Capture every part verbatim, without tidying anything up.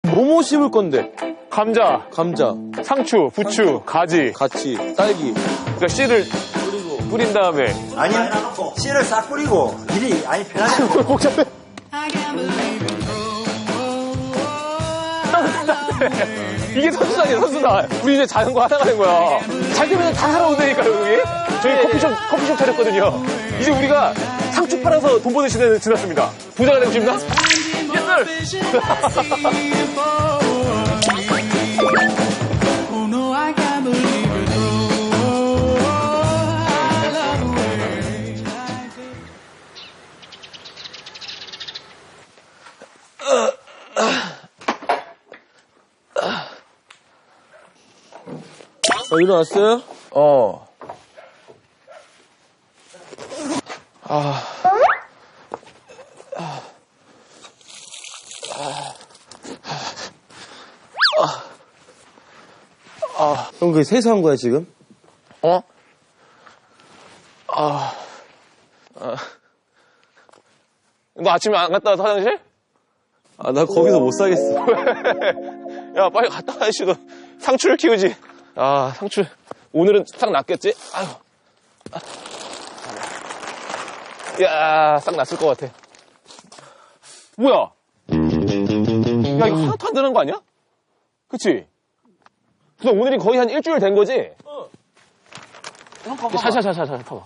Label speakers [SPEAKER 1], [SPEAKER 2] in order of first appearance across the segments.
[SPEAKER 1] 뭐뭐 심을 건데?
[SPEAKER 2] 감자,
[SPEAKER 1] 감자,
[SPEAKER 2] 상추, 부추,
[SPEAKER 1] 상추.
[SPEAKER 2] 가지.
[SPEAKER 1] 같이, 딸기.
[SPEAKER 2] 그러니까 씨를
[SPEAKER 1] 그리고
[SPEAKER 2] 뿌린 다음에.
[SPEAKER 3] 아니, 씨를 싹 뿌리고, 일이, 아니, 편하게.
[SPEAKER 2] 복잡해. 이게 선수단이야, 선수단. 우리 이제 자전거 하나 가는 거야. 잘 되면 다 살아오다니까요, 여기. 저희 커피숍, 커피숍 차렸거든요. 이제 우리가 상추 팔아서 돈 버는 시대는 지났습니다. 부자가 되고 싶나? 예스!
[SPEAKER 1] 어, 일어났어요?
[SPEAKER 2] 어. 아. 아. 아. 아.
[SPEAKER 1] 형, 그게 세수한 거야, 지금?
[SPEAKER 2] 어? 아. 아. 너 아침에 안 갔다 와서 화장실?
[SPEAKER 1] 아, 나 거기서 못 살겠어.
[SPEAKER 2] 야, 빨리 갔다 와야지. 너 상추를 키우지. 아, 상추. 오늘은 싹 났겠지? 아유. 아. 야, 싹 났을 것 같아. 뭐야? 야, 이거 하나도 안 되는 거 아니야? 그치? 너 오늘이 거의 한 일주일 된 거지? 어. 샤샤샤샤샤, 봐봐.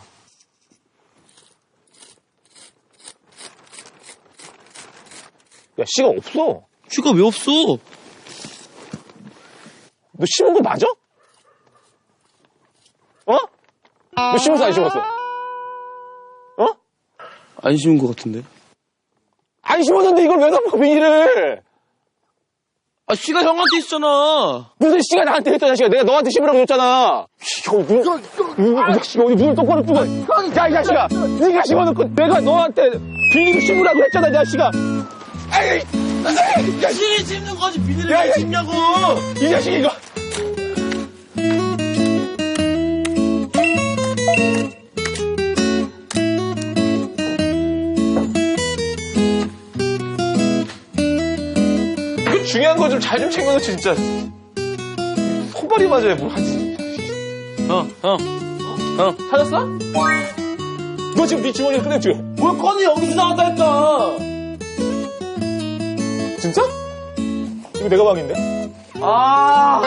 [SPEAKER 2] 야, 씨가 없어.
[SPEAKER 1] 씨가 왜 없어?
[SPEAKER 2] 너 심은 거 맞아? 어? 너 심었어, 안 심었어? 어?
[SPEAKER 1] 안 심은 것 같은데.
[SPEAKER 2] 안 심었는데 이걸 왜 덮어, 비닐을?
[SPEAKER 1] 아, 씨가 형한테 있잖아.
[SPEAKER 2] 무슨 씨가 나한테 했잖아, 씨가. 내가 너한테 심으라고 줬잖아. 씨, 형, 눈, 이 자식아, 어디 눈을 똑바로 뜨고. 야, 이 자식아. 네가 심어놓고 내가 너한테 비닐 심으라고 했잖아, 이 자식아. 아이, 아이, 야,
[SPEAKER 1] 씨를 심는 거지, 비닐을
[SPEAKER 2] 야,
[SPEAKER 1] 왜
[SPEAKER 2] 야,
[SPEAKER 1] 심냐고.
[SPEAKER 2] 이 자식 이거. 그 중요한 거 좀 잘 좀 챙겨놓지, 진짜. 손발이 맞아야 뭘 하지.
[SPEAKER 1] 형, 형, 형.
[SPEAKER 2] 찾았어? 너 지금 네 주머니에 꺼냈지?
[SPEAKER 1] 뭘 꺼내, 여기서 나왔다 했다.
[SPEAKER 2] 진짜? 이거 내가 방인데?
[SPEAKER 1] 아.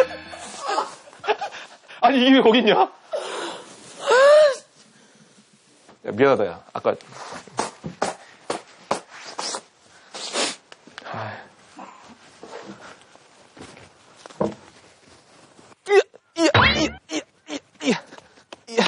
[SPEAKER 2] 아니, 이게 왜 거기 있냐? 야, 미안하다, 야. 아까. 이야, 이야, 이야, 이야, 이야, 이야.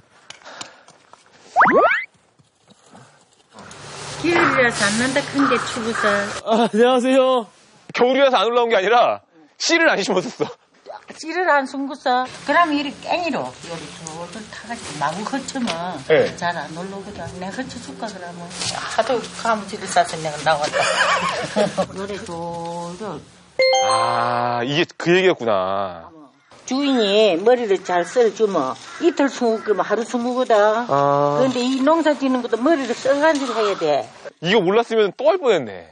[SPEAKER 4] 길이라서 안 난다 큰 게 추구서.
[SPEAKER 1] 아, 안녕하세요.
[SPEAKER 2] 겨울이라서 안 올라온 게 아니라 씨를 안 심었었어.
[SPEAKER 4] 씨를 안 숨고서. 그러면 이리 깽이로 요리 저들 타가지고 마구 헛치면
[SPEAKER 2] 네.
[SPEAKER 4] 잘 안 올라오거든. 내가 헛쳐줄까 그러면. 하도 가무지를 싸서 내가 나왔다. 요리 저들.
[SPEAKER 2] 아, 이게 그 얘기였구나.
[SPEAKER 4] 주인이 머리를 잘 썰어주면 이틀 숨으면 하루 숨으거든.
[SPEAKER 2] 아.
[SPEAKER 4] 그런데 이 농사 짓는 것도 머리를 써가지고 해야 돼.
[SPEAKER 2] 이거 몰랐으면 또 할 뻔했네.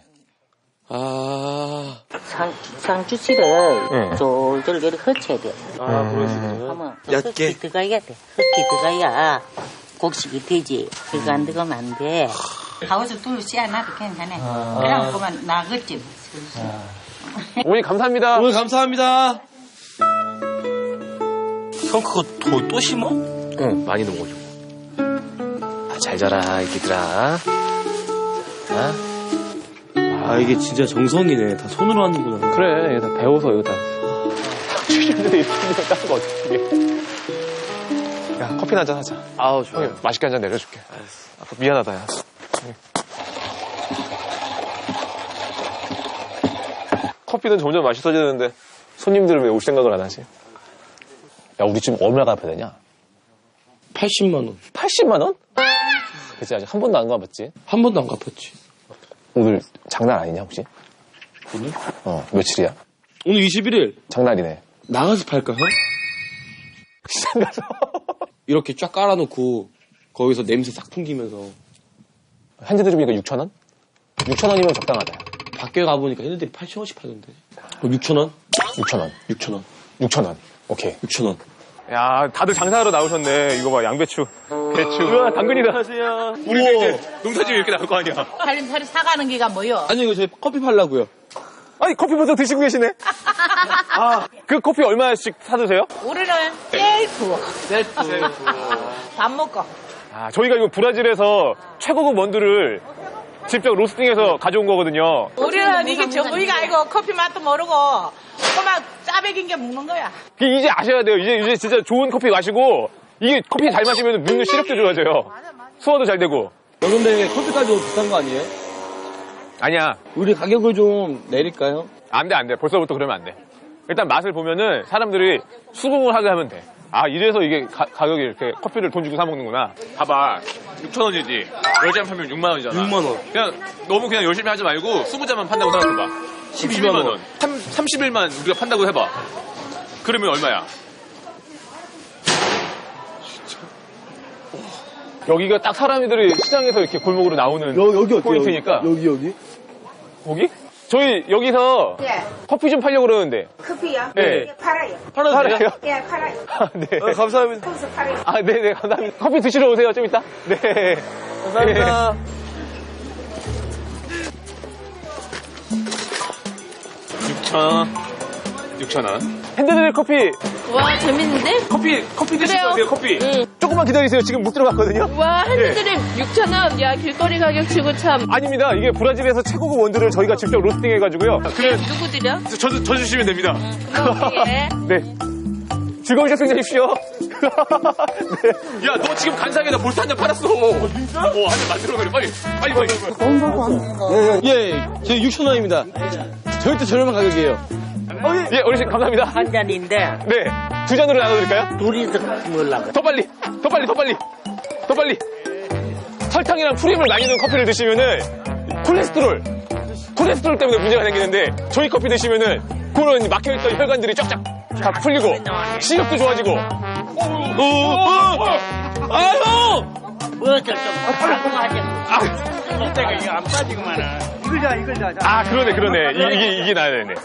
[SPEAKER 1] 아.
[SPEAKER 4] 상, 상추씨를
[SPEAKER 2] 응.
[SPEAKER 4] 졸졸 이렇게 헛쳐야 돼.
[SPEAKER 1] 아, 그러시구나.
[SPEAKER 4] 하면
[SPEAKER 1] 얇게.
[SPEAKER 4] 흙이 들어가야 돼. 흙이 들어가야 곡식이 되지. 그거 안 들어가면 안 돼. 하우스 둘 씨앗나도 괜찮아. 그럼 그만 나겠지.
[SPEAKER 2] 어머니, 감사합니다.
[SPEAKER 1] 오늘 감사합니다. 형, 그거 또, 또 심어?
[SPEAKER 2] 응, 많이 넣어줘. 아, 잘 자라, 이기들아. 아?
[SPEAKER 1] 아, 이게 진짜 정성이네. 다 손으로 하는구나.
[SPEAKER 2] 그래, 이거 다 배워서 이거 다. 칠년대 이렇게 딴거 어떻게. 야, 커피 한잔 하자.
[SPEAKER 1] 아우, 좋아요.
[SPEAKER 2] 형이 맛있게 한 잔 내려줄게.
[SPEAKER 1] 알았어.
[SPEAKER 2] 아까 미안하다, 야. 커피는 점점 맛있어지는데 손님들은 왜 올 생각을 안 하지? 야, 우리 지금 얼마 갚아야 되냐?
[SPEAKER 1] 팔십만 원.
[SPEAKER 2] 팔십만 원? 그치, 아직 한 번도 안 가봤지?
[SPEAKER 1] 한 번도 안 갚았지.
[SPEAKER 2] 오늘 장난 아니냐, 혹시?
[SPEAKER 1] 오늘?
[SPEAKER 2] 어, 며칠이야?
[SPEAKER 1] 오늘 이십일 일.
[SPEAKER 2] 장날이네.
[SPEAKER 1] 나가서 팔까, 형?
[SPEAKER 2] 시장 가서.
[SPEAKER 1] 이렇게 쫙 깔아놓고, 거기서 냄새 싹 풍기면서.
[SPEAKER 2] 현재 들으니까 육천 원? 육천 원이면 적당하다.
[SPEAKER 1] 밖, 밖에 가보니까 얘네들이 팔천 원씩 팔던데. 육천 원?
[SPEAKER 2] 육천 원.
[SPEAKER 1] 육천 원.
[SPEAKER 2] 육천 원. 오케이.
[SPEAKER 1] 육천 원.
[SPEAKER 2] 야, 다들 장사하러 나오셨네. 이거 봐, 양배추, 배추. 우와, 당근이다. 안녕하세요. 우리도 이제 농사지면 이렇게 나올 거 아니야.
[SPEAKER 4] 살림살이 사가는 게가 뭐요?
[SPEAKER 1] 아니, 이거 저희 커피 팔라고요.
[SPEAKER 2] 아니, 커피 벌써 드시고 계시네? 아, 그 커피 얼마씩 사드세요?
[SPEAKER 4] 우리는 셀프.
[SPEAKER 1] 셀프.
[SPEAKER 4] 밥 먹고.
[SPEAKER 2] 아, 저희가 이거 브라질에서 최고급 원두를 직접 로스팅해서 가져온 거거든요.
[SPEAKER 4] 우리는 이게 전부이가 아니고 커피 맛도 모르고 그만 짜배긴 게 먹는 거야.
[SPEAKER 2] 이제 아셔야 돼요. 이제, 이제 진짜 좋은 커피 마시고, 이게 커피 잘 마시면 묵는 시력도 좋아져요. 소화도 잘 되고.
[SPEAKER 1] 어, 근데 커피까지 너무 비싼 거 아니에요?
[SPEAKER 2] 아니야.
[SPEAKER 1] 우리 가격을 좀 내릴까요?
[SPEAKER 2] 안 돼, 안 돼. 벌써부터 그러면 안 돼. 일단 맛을 보면은 사람들이 수긍을 하게 하면 돼. 아, 이래서 이게 가, 가격이 이렇게 커피를 돈 주고 사먹는구나. 봐봐. 육천 원이지. 열 잔 팔면 육만 원이잖아.
[SPEAKER 1] 육만 원.
[SPEAKER 2] 그냥 너무 그냥 열심히 하지 말고 스무 잔만 판다고 생각해봐. 십이만 원. 삼십 일만 우리가 판다고 해봐. 그러면 얼마야? 여기가 딱 사람들이 시장에서 이렇게 골목으로 나오는
[SPEAKER 1] 여기, 여기 어때요?
[SPEAKER 2] 포인트니까.
[SPEAKER 1] 여기, 여기?
[SPEAKER 2] 거기? 저희 여기서
[SPEAKER 5] 예.
[SPEAKER 2] 커피 좀 팔려고 그러는데.
[SPEAKER 5] 커피요?
[SPEAKER 2] 네.
[SPEAKER 5] 예, 팔아요.
[SPEAKER 1] 팔아도 돼요?
[SPEAKER 2] 팔아요?
[SPEAKER 5] 예, 팔아요.
[SPEAKER 2] 아, 네.
[SPEAKER 1] 어, 감사합니다.
[SPEAKER 5] 거기서 팔아요.
[SPEAKER 2] 아, 네네, 감사합니다. 커피 드시러 오세요, 좀 이따. 네.
[SPEAKER 1] 감사합니다.
[SPEAKER 2] 육천 원. 육천 원. 핸드드립 커피,
[SPEAKER 6] 와 재밌는데?
[SPEAKER 2] 커피, 커피 드실
[SPEAKER 6] 그래요.
[SPEAKER 2] 거세요, 커피.
[SPEAKER 6] 응.
[SPEAKER 2] 조금만 기다리세요. 지금 못 들어갔거든요.
[SPEAKER 6] 와 핸드드립 육천 원. 야 길거리 가격 치고 참.
[SPEAKER 2] 아닙니다. 이게 브라질에서 최고급 원두를 저희가 직접 로스팅 해가지고요. 그래,
[SPEAKER 6] 누구 드려?
[SPEAKER 2] 저, 저 주시면 됩니다.
[SPEAKER 6] 오케이.
[SPEAKER 2] 네. 즐거운 식사 되십시오. 네. 야, 너 지금 간상에다 볼트 한 잔 팔았어. 어, 진짜? 어, 한 잔 만들어 그래. 빨리. 빨리, 빨리.
[SPEAKER 1] 예, 저희 육천 원입니다. 절대 저렴한 가격이에요.
[SPEAKER 2] 예, 어르신, 감사합니다.
[SPEAKER 4] 한 잔인데
[SPEAKER 2] 네. 두 잔으로 나눠드릴까요?
[SPEAKER 4] 둘이서 먹으려고.
[SPEAKER 2] 더 빨리, 더 빨리, 더 빨리, 더 빨리. 설탕이랑 프림을 많이 넣은 커피를 드시면은 콜레스테롤, 콜레스테롤 때문에 문제가 생기는데 저희 커피 드시면은 그런 막혀있던 혈관들이 쫙쫙 다 풀리고 시력도 좋아지고. 어, 어, 어. 아유!
[SPEAKER 4] 뭐좀 방송하자.
[SPEAKER 2] 아,
[SPEAKER 4] 이때가 이거 안 빠지고만은.
[SPEAKER 2] 아, 그러네, 그러네. 이, 이게 이게 나야 되네.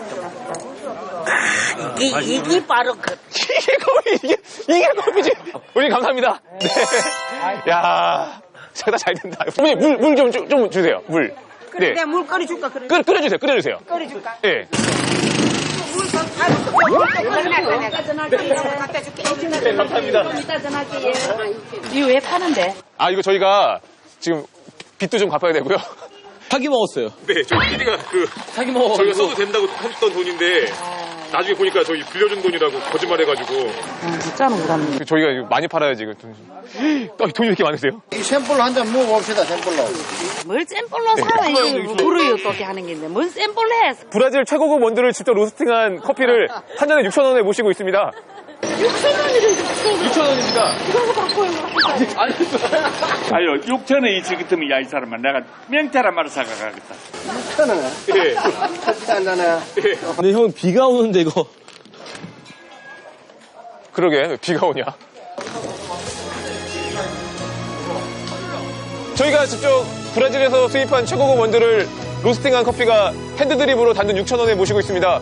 [SPEAKER 4] 이, 이게 바로 그.
[SPEAKER 2] 이게 커피, 이게 이게 커피지. 우리 감사합니다. 네. 야, 제가 잘 된다. 어머니 물 물 좀 좀 주세요. 물. 네.
[SPEAKER 5] 내가 물 끓여줄까, 그래?
[SPEAKER 2] 끓 끓여주세요. 끓여주세요.
[SPEAKER 5] 끓여줄까?
[SPEAKER 2] 예.
[SPEAKER 5] 물좀 끓여놨다, 내가. 갖다 줄게.
[SPEAKER 2] 네, 감사합니다.
[SPEAKER 5] 이따 전화할게.
[SPEAKER 6] 이거 왜 파는데?
[SPEAKER 2] 아, 이거 저희가 지금 빚도 좀 갚아야 되고요.
[SPEAKER 1] 사기 먹었어요.
[SPEAKER 2] 네, 저희 피디가 그
[SPEAKER 1] 사기 먹어가지고.
[SPEAKER 2] 저희가 써도 된다고 했던 돈인데 나중에 보니까 저희 빌려준 돈이라고 거짓말해가지고.
[SPEAKER 6] 진짜로 그러네.
[SPEAKER 2] 저희가 이거 많이 팔아야지 이거 돈. 아, 돈이 왜 이렇게 많으세요?
[SPEAKER 7] 이 샘플로 한 잔 먹어봅시다, 샘플로.
[SPEAKER 6] 뭘 샘플로 사? 이게 뭐 부르요 또 하는 게인데 뭔 샘플로 해?
[SPEAKER 2] 브라질 최고급 원두를 직접 로스팅한 커피를 한 잔에 육천 원에 모시고 있습니다.
[SPEAKER 6] 육천 원이래 육천 원.
[SPEAKER 2] 육천 원입니다.
[SPEAKER 6] 이거 바꿔요.
[SPEAKER 8] 아유, 육천 원이 있을 같으면 야, 이 사람아, 내가 명태란 말을 사가가겠다.
[SPEAKER 7] 천원.
[SPEAKER 2] 예.
[SPEAKER 7] 커피도 한 잔에.
[SPEAKER 1] 근데 형 비가 오는데 이거.
[SPEAKER 2] 그러게, 비가 오냐? 저희가 직접 브라질에서 수입한 최고급 원두를 로스팅한 커피가 핸드드립으로 단돈 육천 원에 모시고 있습니다.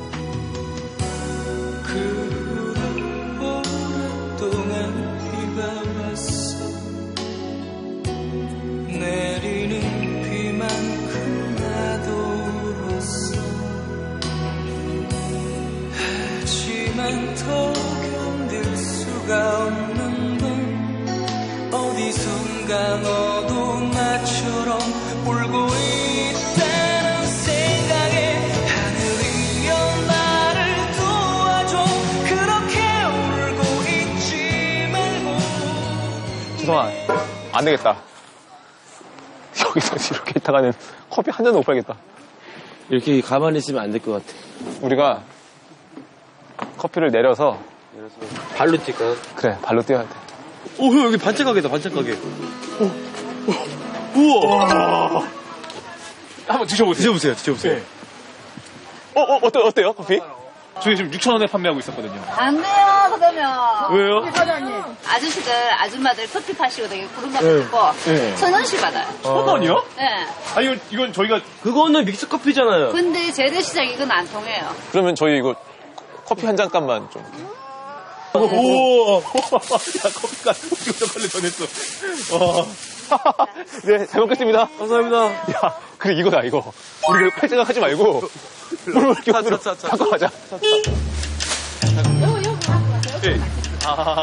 [SPEAKER 9] 내리는 비만큼 나도 울었어. 하지만 더 견딜 수가 없는 건 어디선가 너도 나처럼 울고 있다는 생각에 하늘이여 나를 도와줘. 그렇게 울고 있지 말고.
[SPEAKER 2] 지성아, 안 되겠다. 여기서 이렇게 있다가는 커피 한 잔도 못 팔겠다.
[SPEAKER 1] 이렇게 가만히 있으면 안 될 것 같아.
[SPEAKER 2] 우리가 커피를 내려서
[SPEAKER 1] 발로 뛸까요?
[SPEAKER 2] 그래, 발로 뛰어야 돼.
[SPEAKER 1] 오, 형 여기 반짝가게다, 반짝가게. 오, 오, 우와.
[SPEAKER 2] 한번 드셔보세요.
[SPEAKER 1] 드셔보세요, 드셔보세요.
[SPEAKER 2] 어, 어, 어때, 어때요, 커피? 저희 지금 육천 원에 판매하고 있었거든요.
[SPEAKER 6] 안 돼요, 그러면.
[SPEAKER 2] 왜요?
[SPEAKER 6] 아저씨들, 아줌마들 커피 파시고 되게 그런 것도 있고,
[SPEAKER 2] 네.
[SPEAKER 6] 천 원씩 받아요.
[SPEAKER 2] 천 원이요?
[SPEAKER 6] 네.
[SPEAKER 2] 아, 이건, 이건 저희가.
[SPEAKER 1] 그거는 믹스 커피잖아요.
[SPEAKER 6] 근데 재래시장 이건 안 통해요.
[SPEAKER 2] 그러면 저희 이거 커피 한 잔 값만 좀. 오, 야, 커피가 오십 초콜릿 전했어. 와. 네, 잘 먹겠습니다.
[SPEAKER 1] 감사합니다.
[SPEAKER 2] 야, 그래, 이거다, 이거. 우리 팔 생각하지 말고. 물을 이렇게
[SPEAKER 1] 차,
[SPEAKER 2] 으로
[SPEAKER 1] 차, 차, 차.
[SPEAKER 2] 갖고 가자. 네. 아,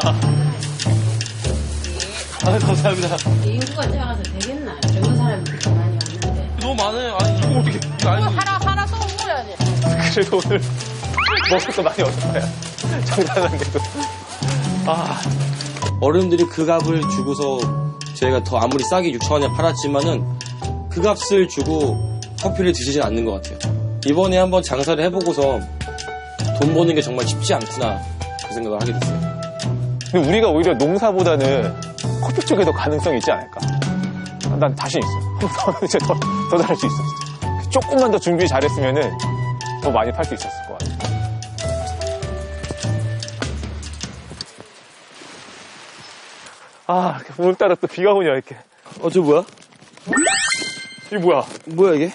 [SPEAKER 1] 아, 감사합니다.
[SPEAKER 10] 인구가 작아서 되겠나? 젊은 사람이 그렇게 많이 왔는데.
[SPEAKER 1] 너무 많아요. 아니, 이거 어떻게. 이거 아니,
[SPEAKER 10] 하나, 하나 또 먹어야지.
[SPEAKER 2] 그래도 오늘 먹을 거 많이 얻었어요. 장난한데도. 아.
[SPEAKER 1] 어른들이 그 값을 주고서 저희가 더 아무리 싸게 육천 원에 팔았지만은 그 값을 주고 커피를 드시진 않는 것 같아요. 이번에 한번 장사를 해보고서 돈 버는 게 정말 쉽지 않구나 그 생각을 하게 됐어요.
[SPEAKER 2] 근데 우리가 오히려 농사보다는 커피 쪽에 더 가능성이 있지 않을까? 난 자신 있어. 한 번 이제 더, 더 잘할 수 있어, 진짜. 조금만 더 준비 잘했으면은 더 많이 팔 수 있었을 것 같아. 아, 이렇게 오늘따라 또 비가 오냐, 이렇게.
[SPEAKER 1] 어, 저 뭐야?
[SPEAKER 2] 이게 뭐야?
[SPEAKER 1] 뭐야, 이게?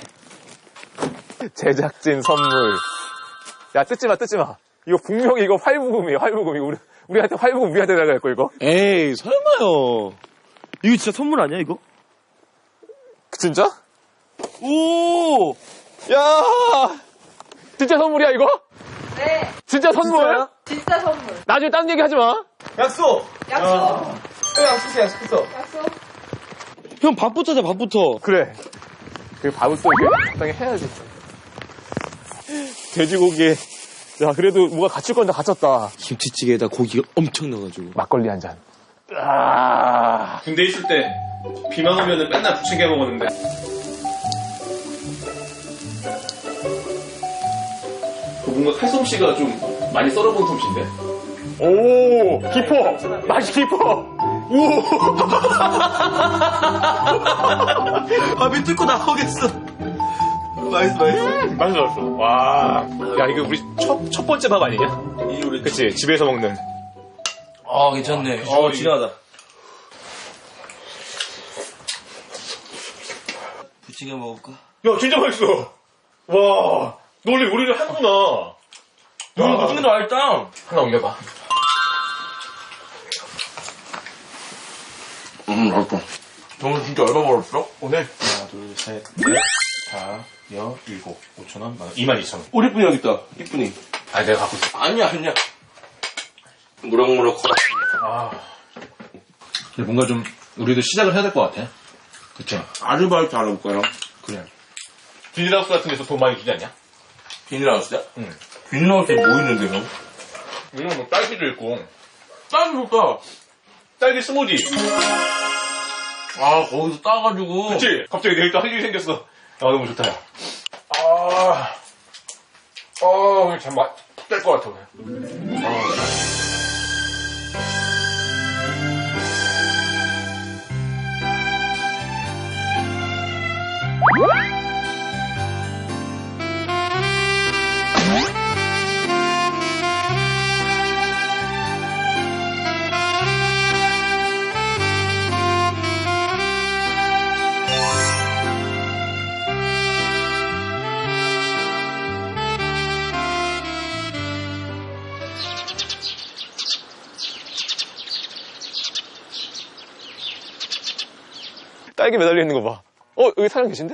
[SPEAKER 2] 제작진 선물. 야, 뜯지 마, 뜯지 마. 이거 분명히 이거 활부금이에요, 활부금. 이거 우리, 우리한테 활부금 우리한테 나갈 거, 이거.
[SPEAKER 1] 에이, 설마요. 이거 진짜 선물 아니야, 이거?
[SPEAKER 2] 진짜?
[SPEAKER 1] 오!
[SPEAKER 2] 야! 진짜 선물이야, 이거?
[SPEAKER 6] 네.
[SPEAKER 2] 진짜 선물?
[SPEAKER 1] 진짜요?
[SPEAKER 6] 진짜 선물.
[SPEAKER 2] 나중에 딴 얘기 하지 마.
[SPEAKER 1] 약속!
[SPEAKER 6] 약속.
[SPEAKER 2] 형, 약속했어, 약속했어.
[SPEAKER 6] 약속.
[SPEAKER 1] 형, 밥부터 하자, 밥부터.
[SPEAKER 2] 그래. 그 밥을 또 이렇게 적당히 해야지. 돼지고기에, 야, 그래도 뭐가 갇힐 건 다 갇혔다.
[SPEAKER 1] 김치찌개에다 고기가 엄청 넣어가지고.
[SPEAKER 2] 막걸리 한 잔. 아.
[SPEAKER 11] 군대 있을 때 비만 오면은 맨날 부침개 먹었는데. 그 뭔가 칼솜씨가 좀 많이 썰어본 솜씨인데.
[SPEAKER 2] 오, 깊어. 맛이 깊어. 오.
[SPEAKER 1] 밥이 뚫고 나오겠어. 맛있어, 맛있어.
[SPEAKER 2] 맛이 좋았어. 와. 야, 이거 우리 첫, 첫 번째 밥 아니냐?
[SPEAKER 1] 이 우리
[SPEAKER 2] 그치, 집에서 먹는.
[SPEAKER 1] 아, 괜찮네. 어, 진하다. 부침개 먹을까?
[SPEAKER 2] 야, 진짜 맛있어. 와. 너 원래 요리를 하는구나.
[SPEAKER 1] 너 무슨 거 알짱?
[SPEAKER 2] 하나 옮겨봐.
[SPEAKER 1] 음, 맛있다. 너는 진짜 얼마 벌었어?
[SPEAKER 2] 오늘 하나, 둘, 셋, 넷, 다, 여, 일곱, 오천 원, 만 원, 이만 이천 원.
[SPEAKER 1] 우리 분이 여기 있다. 이쁜이.
[SPEAKER 2] 아, 내가 갖고 있어.
[SPEAKER 1] 아니야, 아니야. 무럭무럭 커라.
[SPEAKER 2] 아. 뭔가 좀, 우리도 시작을 해야 될 것 같아. 그쵸?
[SPEAKER 1] 아르바이트 안 해볼까요?
[SPEAKER 2] 그래. 비닐하우스 같은 데서 돈 많이 주지 않냐?
[SPEAKER 1] 비닐하우스야?
[SPEAKER 2] 응.
[SPEAKER 1] 비닐하우스에 뭐 있는데, 형?
[SPEAKER 2] 이런 뭐 딸기도 있고.
[SPEAKER 1] 딸기 좋다.
[SPEAKER 2] 딸기 스무디.
[SPEAKER 1] 아, 거기서 따가지고.
[SPEAKER 2] 그치? 갑자기 내일 또 할 일이 생겼어. 아, 너무 좋다, 야. 아. 아, 오늘 참 맛, 뗄 것 같아, 오늘. 아. 딸기 매달려 있는 거 봐. 어, 여기 사장 계신데?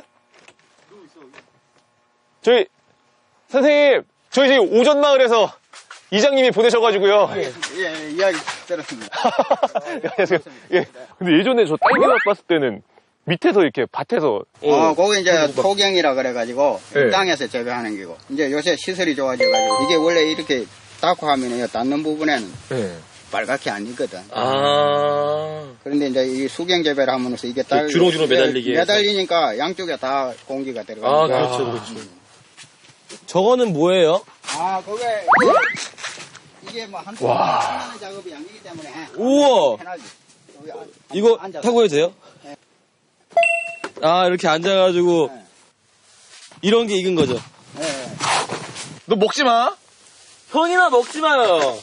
[SPEAKER 2] 저희, 선생님, 저희 지금 오전마을에서 이장님이 보내셔가지고요.
[SPEAKER 7] 예, 예, 이야기 들었습니다.
[SPEAKER 2] 안녕하세요. 예. 근데 예전에 저 딸기맛 봤을 때는 밑에서 이렇게 밭에서.
[SPEAKER 7] 어, 거기 이제 토경이라 그래가지고,
[SPEAKER 2] 네.
[SPEAKER 7] 땅에서 재배하는 기고. 이제 요새 시설이 좋아져가지고, 이게 원래 이렇게 닦고 하면은 닿는 부분에는
[SPEAKER 2] 네.
[SPEAKER 7] 빨갛게 안 익거든.
[SPEAKER 1] 아.
[SPEAKER 7] 그런데 이제 이 수경 재배를 하면서 이게 딸
[SPEAKER 1] 주렁주렁 매달리게 해서.
[SPEAKER 7] 매달리니까 양쪽에 다 공기가 들어가니까.
[SPEAKER 1] 아, 그렇죠, 그렇죠. 저거는 뭐예요?
[SPEAKER 7] 아, 그게 이게, 이게 뭐한
[SPEAKER 2] 와.
[SPEAKER 7] 하는 작업이 아니기 때문에
[SPEAKER 1] 우와.
[SPEAKER 7] 편하지. 여기 안-
[SPEAKER 1] 이거
[SPEAKER 7] 앉아서.
[SPEAKER 1] 타고 해도 돼요?
[SPEAKER 7] 네.
[SPEAKER 1] 아, 이렇게 앉아가지고
[SPEAKER 7] 네.
[SPEAKER 1] 이런 게 익은 거죠?
[SPEAKER 7] 네.
[SPEAKER 2] 너 먹지 마.
[SPEAKER 1] 형이나 먹지 마요.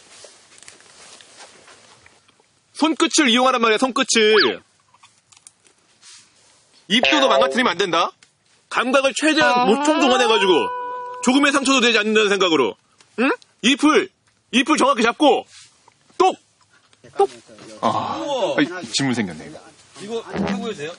[SPEAKER 2] 손끝을 이용하란 말이야, 손끝을. 입도 너 망가뜨리면 안 된다. 감각을 최대한 못 총동원해가지고 조금의 상처도 되지 않는다는 생각으로. 응? 잎을 잎을 정확히 잡고 똑! 똑! 아, 아이, 질문 생겼네 이거.
[SPEAKER 1] 이거 해보여도 돼요?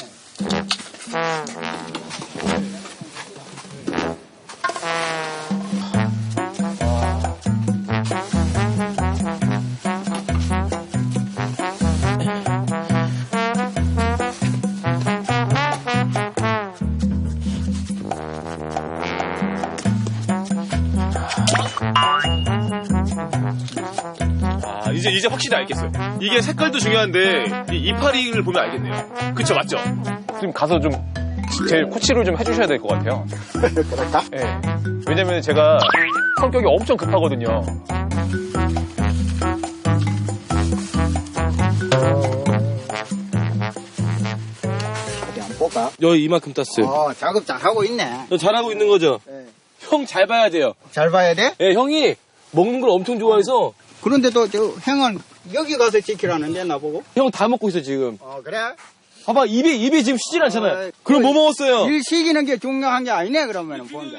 [SPEAKER 2] 아, 이제 이제 확실히 알겠어요. 이게 색깔도 중요한데 이 이파리를 보면 알겠네요. 그쵸, 맞죠? 지금 가서 좀 제 코치를 좀 해주셔야 될 것 같아요.
[SPEAKER 7] 그럴까?
[SPEAKER 2] 예. 네. 왜냐면 제가 성격이 엄청 급하거든요.
[SPEAKER 7] 어디 한번 볼까?
[SPEAKER 1] 여기 이만큼 땄어요.
[SPEAKER 7] 어, 작업 잘하고 있네.
[SPEAKER 1] 너 잘하고 있는 거죠?
[SPEAKER 7] 네.
[SPEAKER 1] 형 잘 봐야 돼요.
[SPEAKER 7] 잘 봐야 돼?
[SPEAKER 1] 예, 형이 먹는 걸 엄청 좋아해서
[SPEAKER 7] 그런데도 저 형은 여기 가서 지키라는데 나보고?
[SPEAKER 1] 형 다 먹고 있어 지금.
[SPEAKER 7] 어, 그래?
[SPEAKER 1] 봐봐 입에 입에 지금 쉬질 않잖아요.
[SPEAKER 7] 어,
[SPEAKER 1] 그럼
[SPEAKER 7] 그
[SPEAKER 1] 뭐 먹었어요?
[SPEAKER 7] 일 시키는 게 중요한 게 아니네 그러면은 본다.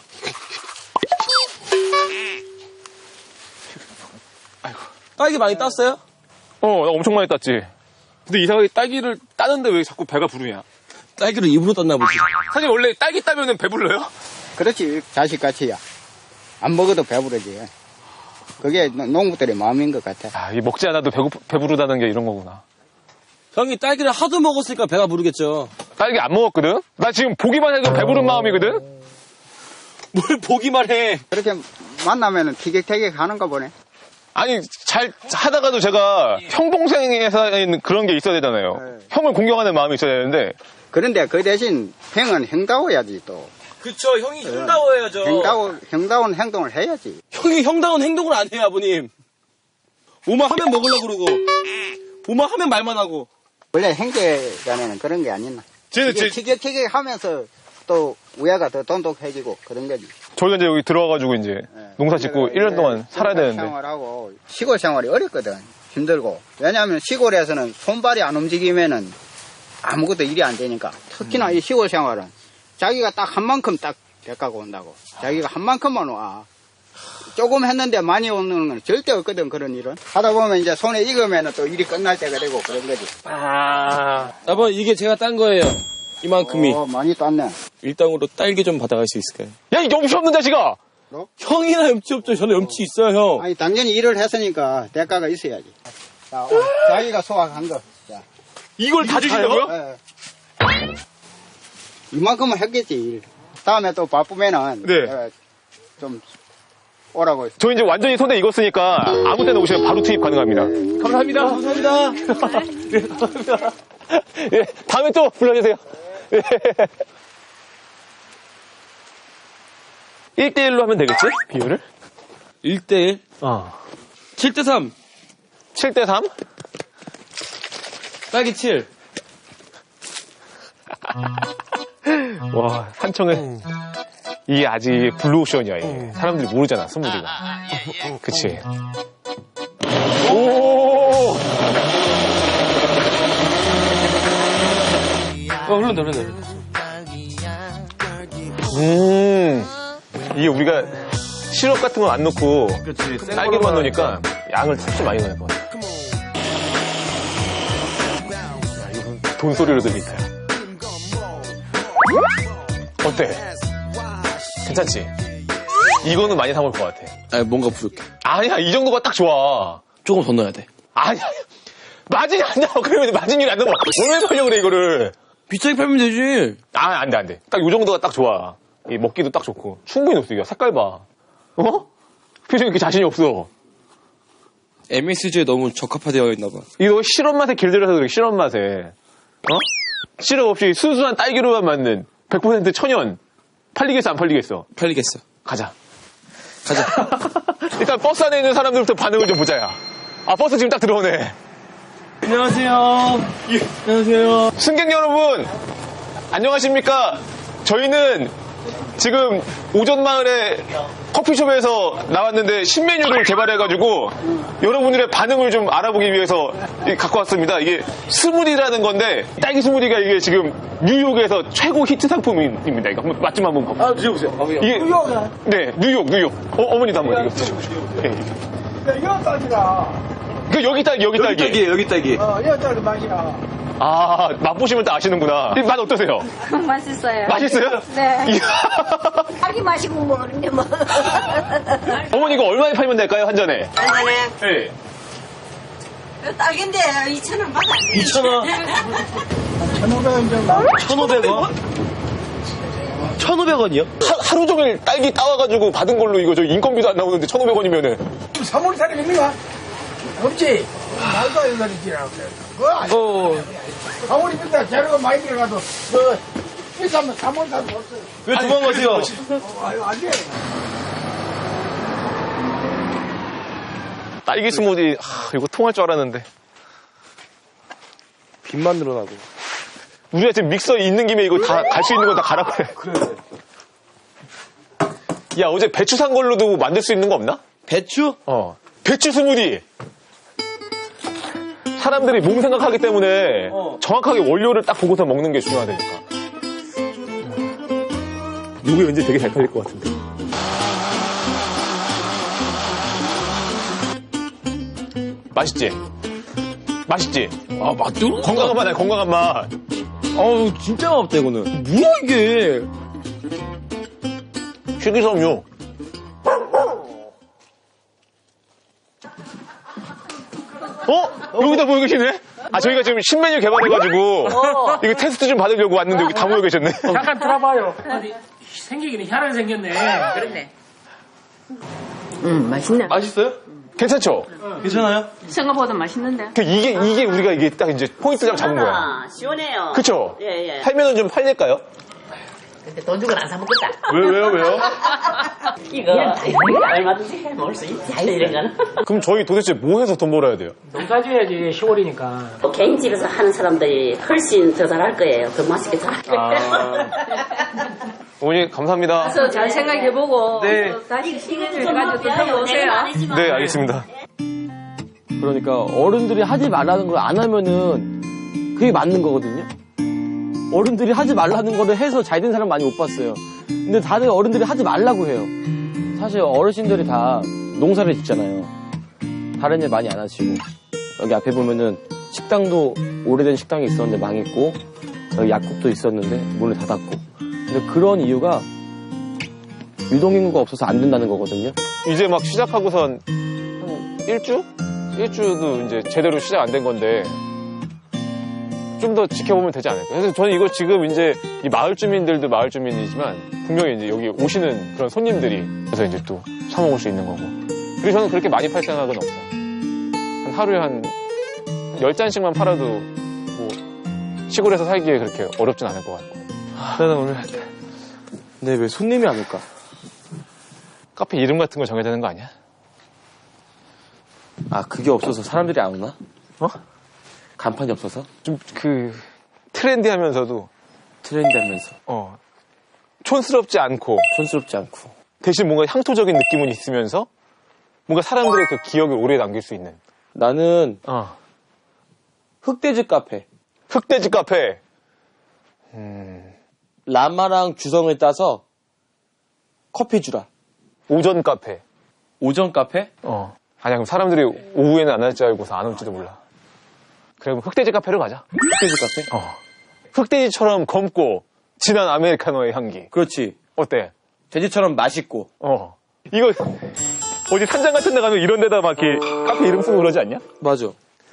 [SPEAKER 1] 딸기 많이 땄어요?
[SPEAKER 2] 어, 나 엄청 많이 땄지. 근데 이상하게 딸기를 따는데 왜 자꾸 배가 부르냐?
[SPEAKER 1] 딸기를 입으로 땄나 보지.
[SPEAKER 2] 사실 원래 딸기 따면은 배불러요?
[SPEAKER 7] 그렇지 자식같이야. 안 먹어도 배부르지. 그게 노- 농부들의 마음인 것 같아.
[SPEAKER 2] 아, 이 먹지 않아도 배고 배부르다는 게 이런 거구나.
[SPEAKER 1] 형이 딸기를 하도 먹었으니까 배가 부르겠죠.
[SPEAKER 2] 딸기 안 먹었거든? 나 지금 보기만 해도 배부른 마음이거든?
[SPEAKER 1] 뭘 보기만 해.
[SPEAKER 7] 그렇게 만나면은 티격태격 하는가 보네.
[SPEAKER 2] 아니, 잘 하다가도 제가 형 동생의 사이에는 그런 게 있어야 되잖아요.
[SPEAKER 7] 네.
[SPEAKER 2] 형을 공경하는 마음이 있어야 되는데.
[SPEAKER 7] 그런데 그 대신 형은 형다워야지 또.
[SPEAKER 1] 그쵸, 형이 형다워야죠.
[SPEAKER 7] 형다워, 형다운 행동을 해야지.
[SPEAKER 1] 형이 형다운 행동을 안 해요, 아버님. 뭐만 하면 먹으려고 그러고, 뭐만 하면 말만 하고.
[SPEAKER 7] 원래 형제간에는 그런 게 아니나.
[SPEAKER 2] 쟤는
[SPEAKER 7] 이게
[SPEAKER 2] 제-
[SPEAKER 7] 티격태격 하면서 또 우애가 더 돈독해지고 그런 거지.
[SPEAKER 2] 저희가 이제 여기 들어와가지고 이제
[SPEAKER 7] 네.
[SPEAKER 2] 농사 짓고
[SPEAKER 7] 우리가
[SPEAKER 2] 일 년
[SPEAKER 7] 이제
[SPEAKER 2] 동안 살아야
[SPEAKER 7] 시골
[SPEAKER 2] 되는데.
[SPEAKER 7] 생활하고 시골 생활이 어렵거든. 힘들고. 왜냐하면 시골에서는 손발이 안 움직이면은 아무것도 일이 안 되니까. 특히나 이 시골 생활은 자기가 딱 한 만큼 딱 대가고 온다고. 자기가 한 만큼만 와. 조금 했는데 많이 오는 건 절대 없거든, 그런 일은. 하다 보면 이제 손에 익으면 또 일이 끝날 때가 되고 그런 거지.
[SPEAKER 1] 아. 아버님, 이게 제가 딴 거예요. 이만큼이.
[SPEAKER 7] 어, 많이 땄네.
[SPEAKER 1] 일당으로 딸기 좀 받아갈 수 있을까요?
[SPEAKER 2] 야, 이 염치 없는 자식아!
[SPEAKER 1] 형이나 염치 없죠. 저는 염치 있어요, 형.
[SPEAKER 7] 아니, 당연히 일을 했으니까 대가가 있어야지. 자, 어, 자기가 소화한 거. 자.
[SPEAKER 2] 이걸 다 주신다고요?
[SPEAKER 7] 예. 이만큼은 했겠지, 일. 다음에 또 바쁘면은.
[SPEAKER 2] 네.
[SPEAKER 7] 예, 좀 오라고 했어.
[SPEAKER 2] 저 이제 완전히 손에 익었으니까 아무 때나 오시면 바로 투입 가능합니다. 감사합니다.
[SPEAKER 1] 감사합니다.
[SPEAKER 2] 네, 감사합니다. 예, 다음에 또 불러주세요. 예. 일 대일로 하면 되겠지? 비율을?
[SPEAKER 1] 일 대일?
[SPEAKER 2] 어.
[SPEAKER 1] 칠 대 삼.
[SPEAKER 2] 칠 대 삼?
[SPEAKER 1] 딸기 칠.
[SPEAKER 2] 와, 한청은 이게 아직 블루오션이야, 이게. 사람들이 모르잖아, 선물이가. 그치? 오!
[SPEAKER 1] 어, 흐른다, 흐른다.
[SPEAKER 2] 음, 이게 우리가 시럽 같은 거 안 넣고 딸기만 넣으니까 양을 훨씬 많이 넣을 것 같아. 야, 이건 돈소리로 들리니까. 어때? 괜찮지? 이거는 많이 사 먹을 것 같아.
[SPEAKER 1] 아, 뭔가 부족해.
[SPEAKER 2] 아니야, 이 정도가 딱 좋아.
[SPEAKER 1] 조금 더 넣어야 돼.
[SPEAKER 2] 아니야. 마진이 안 나와. 그러면 마진율이 안 나와. 얼마나 팔려고 그래, 이거를.
[SPEAKER 1] 비싸게 팔면 되지.
[SPEAKER 2] 아, 안 돼, 안 돼. 딱 요 정도가 딱 좋아. 이 먹기도 딱 좋고. 충분히 녹수 이거. 색깔 봐. 어? 표정이 이렇게 자신이 없어.
[SPEAKER 1] 엠에스지에 너무 적합화되어 있나 봐.
[SPEAKER 2] 이거 시럽 맛에 길들여서 그래, 시럽 맛에. 어? 시럽 없이 순수한 딸기로만 만든 백 퍼센트 천연. 팔리겠어, 안 팔리겠어?
[SPEAKER 1] 팔리겠어.
[SPEAKER 2] 가자.
[SPEAKER 1] 가자.
[SPEAKER 2] 일단 버스 안에 있는 사람들부터 반응을 좀 보자, 야. 아, 버스 지금 딱 들어오네.
[SPEAKER 1] 안녕하세요. 예, 안녕하세요.
[SPEAKER 2] 승객 여러분, 안녕하십니까? 저희는 지금 오전마을에 커피숍에서 나왔는데 신메뉴를 개발해가지고 여러분들의 반응을 좀 알아보기 위해서 갖고 왔습니다. 이게 스무디라는 건데 딸기 스무디가 이게 지금 뉴욕에서 최고 히트 상품입니다. 이거 한번 맛 좀 한번 봐보세요.
[SPEAKER 3] 아, 드셔보세요. 아,
[SPEAKER 2] 이게
[SPEAKER 3] 뉴욕이야?
[SPEAKER 2] 네, 뉴욕, 뉴욕. 어, 어머니도 한번 이거 드셔보세요. 네, 이게.
[SPEAKER 3] 이거 딸기다.
[SPEAKER 2] 그 여기 딸기, 여기 딸기.
[SPEAKER 1] 여기 딸기, 여기 딸기.
[SPEAKER 3] 어, 이거 딸기 맛이야.
[SPEAKER 2] 아, 맛보시면 다 아시는구나. 이 맛 어떠세요?
[SPEAKER 6] 맛있어요.
[SPEAKER 2] 맛있어요?
[SPEAKER 6] 네.
[SPEAKER 2] 이야.
[SPEAKER 6] 자기 마시고 먹는데 뭐.
[SPEAKER 2] 어머니 이거 얼마에 팔면 될까요, 한 잔에?
[SPEAKER 4] 한 잔에
[SPEAKER 2] 네.
[SPEAKER 4] 딸긴데 이천 원 받아.
[SPEAKER 1] 이천 원.
[SPEAKER 3] 천오백 원 정도.
[SPEAKER 1] 천오백 원? 천오백 원이요?
[SPEAKER 2] 하, 하루 종일 딸기 따와가지고 받은 걸로 이거 저 인건비도 안 나오는데 천오백 원이면은.
[SPEAKER 3] 사물 사람 있는가? 없지? 말도 안 되는 소리지라고 그래. 그거 아니야. 사물이 있다. 재료가 많이 들어가도, 그, 비싸면 사물 사도 없어요.
[SPEAKER 1] 왜 도망가세요?
[SPEAKER 3] 어, 아유, 안 돼.
[SPEAKER 2] 딸기 스무디, 하, 이거 통할 줄 알았는데.
[SPEAKER 1] 빚만 늘어나고.
[SPEAKER 2] 우리가 지금 믹서 있는 김에 이거 다 갈 수 있는 거 다 가라고 해.
[SPEAKER 1] 그래.
[SPEAKER 2] 야, 어제 배추 산 걸로도 만들 수 있는 거 없나?
[SPEAKER 1] 배추?
[SPEAKER 2] 어. 배추 스무디! 사람들이 몸 생각하기 때문에
[SPEAKER 1] 어.
[SPEAKER 2] 정확하게 원료를 딱 보고서 먹는 게 중요하다니까. 이거 왠지 되게 잘 팔릴 것 같은데. 맛있지? 맛있지?
[SPEAKER 1] 아, 맛도?
[SPEAKER 2] 건강한 맛, 건강한 맛.
[SPEAKER 1] 어우, 진짜 맛없다, 이거는. 뭐야, 이게?
[SPEAKER 2] 식이섬유. 어? 여기다 모여 계시네? 아, 저희가 지금 신메뉴 개발해가지고, 이거 테스트 좀 받으려고 왔는데 여기 다 모여 계셨네.
[SPEAKER 12] 잠깐 들어봐요. 어디 생기기는 희한하게 생겼네.
[SPEAKER 4] 그렇네.
[SPEAKER 6] 음, 맛있네.
[SPEAKER 1] 맛있어요?
[SPEAKER 2] 괜찮죠?
[SPEAKER 1] 괜찮아요?
[SPEAKER 6] 생각보다 맛있는데.
[SPEAKER 2] 그 이게, 이게 우리가 이게 딱 이제 포인트 좀 잡은 거야.
[SPEAKER 4] 아, 시원해요.
[SPEAKER 2] 그쵸?
[SPEAKER 4] 예, 예.
[SPEAKER 2] 팔면은 좀 팔릴까요?
[SPEAKER 4] 근데 돈 주고 안 사먹겠다.
[SPEAKER 2] 왜, 왜요, 왜요?
[SPEAKER 4] 이거 얼마든지 해 먹을 수 있지. 이런 거는.
[SPEAKER 2] 그럼 저희 도대체 뭐 해서 돈 벌어야 돼요?
[SPEAKER 12] 농사 지어야지 시골이니까.
[SPEAKER 4] 또 개인 집에서 하는 사람들이 훨씬 더 잘할 거예요. 더 맛있게 잘할 거예요.
[SPEAKER 2] 아. 어머니, 감사합니다.
[SPEAKER 6] 그래서 잘 생각해보고
[SPEAKER 2] 네.
[SPEAKER 6] 또 다시 시간 좀 가지고 또 들어오세요.
[SPEAKER 2] 네, 알겠습니다.
[SPEAKER 1] 그러니까 어른들이 하지 말라는 걸 안 하면은 그게 맞는 거거든요. 어른들이 하지 말라는 거를 해서 잘 된 사람 많이 못 봤어요. 근데 다들 어른들이 하지 말라고 해요. 사실 어르신들이 다 농사를 짓잖아요. 다른 일 많이 안 하시고. 여기 앞에 보면은 식당도 오래된 식당이 있었는데 망했고, 여기 약국도 있었는데 문을 닫았고. 근데 그런 이유가 유동인구가 없어서 안 된다는 거거든요.
[SPEAKER 2] 이제 막 시작하고선 한 일주? 일주도 이제 제대로 시작 안 된 건데 좀 더 지켜보면 되지 않을까. 그래서 저는 이거 지금 이제 이 마을 주민들도 마을 주민이지만 분명히 이제 여기 오시는 그런 손님들이 그래서 이제 또 사 먹을 수 있는 거고. 그리고 저는 그렇게 많이 팔 생각은 없어요. 한 하루에 한 열 잔씩만 팔아도 뭐 시골에서 살기에 그렇게 어렵진 않을 것 같고. 나는 오늘
[SPEAKER 1] 근데 왜 손님이 안 올까?
[SPEAKER 2] 카페 이름 같은 거 정해야 되는 거 아니야?
[SPEAKER 1] 아, 그게 없어서 사람들이 안 오나?
[SPEAKER 2] 어?
[SPEAKER 1] 간판이 없어서?
[SPEAKER 2] 좀 그 트렌디하면서도
[SPEAKER 1] 트렌디하면서.
[SPEAKER 2] 어 촌스럽지 않고
[SPEAKER 1] 촌스럽지 않고.
[SPEAKER 2] 대신 뭔가 향토적인 느낌은 있으면서 뭔가 사람들의 그 기억을 오래 남길 수 있는.
[SPEAKER 1] 나는
[SPEAKER 2] 어.
[SPEAKER 1] 흑돼지 카페.
[SPEAKER 2] 흑돼지 카페.
[SPEAKER 1] 음. 라마랑 주성을 따서 커피 주라.
[SPEAKER 2] 오전 카페.
[SPEAKER 1] 오전 카페?
[SPEAKER 2] 어. 아니야, 그럼 사람들이 오후에는 안 할 줄 알고서 안 올지도 몰라. 그래, 그럼 흑돼지 카페로 가자.
[SPEAKER 1] 흑돼지 카페?
[SPEAKER 2] 어. 흑돼지처럼 검고 진한 아메리카노의 향기.
[SPEAKER 1] 그렇지.
[SPEAKER 2] 어때?
[SPEAKER 1] 돼지처럼 맛있고.
[SPEAKER 2] 어. 이거 어디 산장 같은 데 가면 이런 데다 막 이렇게 카페 이름 쓰고 그러지 않냐?
[SPEAKER 1] 맞아.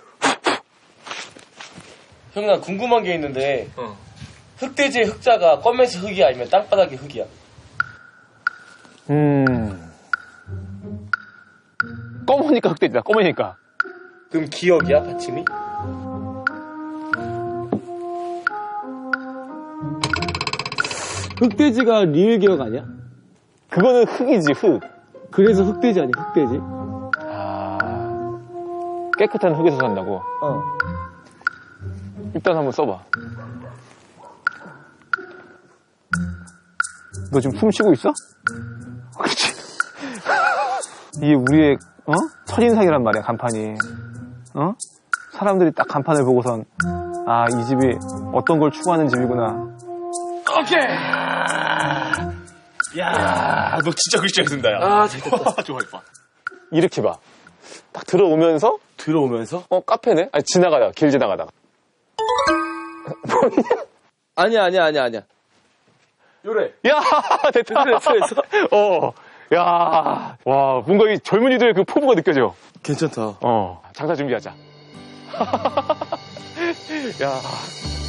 [SPEAKER 1] 형, 나 궁금한 게 있는데
[SPEAKER 2] 어.
[SPEAKER 1] 흑돼지의 흑자가 껌에서 흑이야 아니면 땅바닥의 흑이야?
[SPEAKER 2] 음. 검으니까 흑돼지다, 검으니까.
[SPEAKER 1] 그럼 기억이야, 받침이? 흑돼지가 리을 기억 아니야?
[SPEAKER 2] 그거는 흑이지, 흑.
[SPEAKER 1] 그래서 흑돼지 아니야, 흑돼지?
[SPEAKER 2] 아. 깨끗한 흙에서 산다고?
[SPEAKER 1] 어.
[SPEAKER 2] 일단 한번 써봐. 너 지금 숨 쉬고 있어? 그렇지. 이게 우리의 어? 첫인상이란 말이야, 간판이. 어? 사람들이 딱 간판을 보고선 아, 이 집이 어떤 걸 추구하는 집이구나.
[SPEAKER 11] 오케이. 야, 너 진짜 글씨 잘 쓴다, 야.
[SPEAKER 2] 아, 잘 됐다.
[SPEAKER 11] 좋아, 좋아.
[SPEAKER 2] 이렇게 봐. 딱 들어오면서
[SPEAKER 1] 들어오면서?
[SPEAKER 2] 어, 카페네? 아니, 지나가다가, 길 지나가다가.
[SPEAKER 1] 아니야, 아니야, 아니야, 아니야. 요래.
[SPEAKER 2] 야, 됐다.
[SPEAKER 1] 됐어, 됐어.
[SPEAKER 2] 어, 야, 와, 뭔가 이 젊은이들의 그 포부가 느껴져.
[SPEAKER 1] 괜찮다.
[SPEAKER 2] 어, 장사 준비하자. 야.